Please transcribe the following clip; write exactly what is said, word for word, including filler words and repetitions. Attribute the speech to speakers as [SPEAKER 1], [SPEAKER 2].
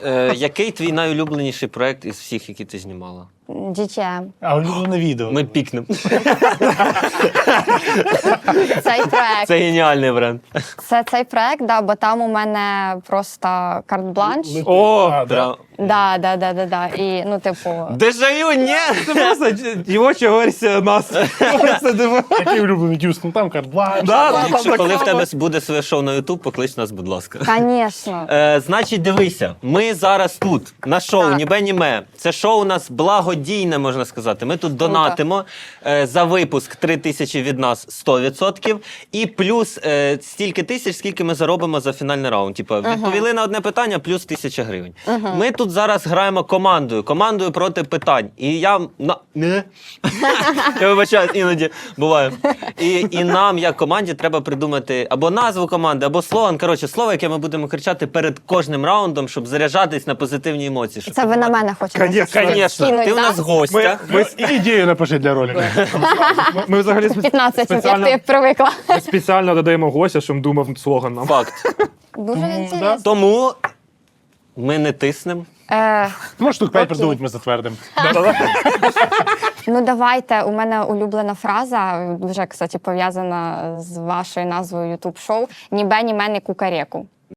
[SPEAKER 1] Е, який твій найулюбленіший проект із всіх, які ти знімала?
[SPEAKER 2] джі джі ем.
[SPEAKER 3] А улюблене відео.
[SPEAKER 1] Ми пікнемо.
[SPEAKER 2] Цей проект.
[SPEAKER 1] Це геніальний бренд.
[SPEAKER 2] Це цей проект, да, бо там у мене просто карт-бланш.
[SPEAKER 3] О, а, да.
[SPEAKER 1] Прям...
[SPEAKER 2] Да, да, да, да, да. І, ну, типу,
[SPEAKER 1] Дежавю, ні!
[SPEAKER 4] Це просто дівоча версія нас. Просто диво.
[SPEAKER 3] Який улюблений дюс? Ну там карт-бланш.
[SPEAKER 4] Да, да,
[SPEAKER 1] Якщо
[SPEAKER 4] там
[SPEAKER 1] коли
[SPEAKER 4] так
[SPEAKER 1] в тебе
[SPEAKER 4] само.
[SPEAKER 1] буде своє шоу на Ютуб, поклич нас, будь ласка.
[SPEAKER 2] звісно.
[SPEAKER 1] Е, значить, дивися, ми зараз тут, на шоу
[SPEAKER 2] Так.
[SPEAKER 1] «Нібе німе». Це шоу у нас благодійне, можна сказати. Ми тут донатимо е, за випуск три тисячі від нас сто відсотків. І плюс е, стільки тисяч, скільки ми заробимо за фінальний раунд. Типа, відповіли на одне питання, плюс тисяча гривень. Ми тут зараз граємо командою, командою проти питань. І я... На... Не. Я вибачаюсь, іноді буває. І, і нам, як команді, треба придумати або назву команди, або слоган. Коротше, слово, яке ми будемо кричати перед кожним раундом, щоб заряджатись на позитивні емоції. щоб
[SPEAKER 2] Це ви на мене хочете?
[SPEAKER 4] Конечно.
[SPEAKER 1] Звісно,
[SPEAKER 2] Кинуть,
[SPEAKER 1] ти у
[SPEAKER 2] да?
[SPEAKER 1] нас
[SPEAKER 4] Ми,
[SPEAKER 1] гостя.
[SPEAKER 4] ми,
[SPEAKER 3] І ідею напиши для ролика.
[SPEAKER 4] ми, ми взагалі спе-
[SPEAKER 2] п'ятнадцять, як
[SPEAKER 4] спеціально,
[SPEAKER 2] ти привикла.
[SPEAKER 4] ми спеціально додаємо гостя, щоб думав слоган нам.
[SPEAKER 1] Факт.
[SPEAKER 2] Дуже
[SPEAKER 3] да.
[SPEAKER 2] інтересно.
[SPEAKER 1] Тому ми не тиснемо.
[SPEAKER 2] Е,
[SPEAKER 3] Може, штук п'ять
[SPEAKER 2] Окей.
[SPEAKER 3] придумать, ми затвердимо.
[SPEAKER 2] ну, давайте, у мене улюблена фраза, вже, кстати, пов'язана з вашою назвою ютуб-шоу «Нібе німе не кукареку».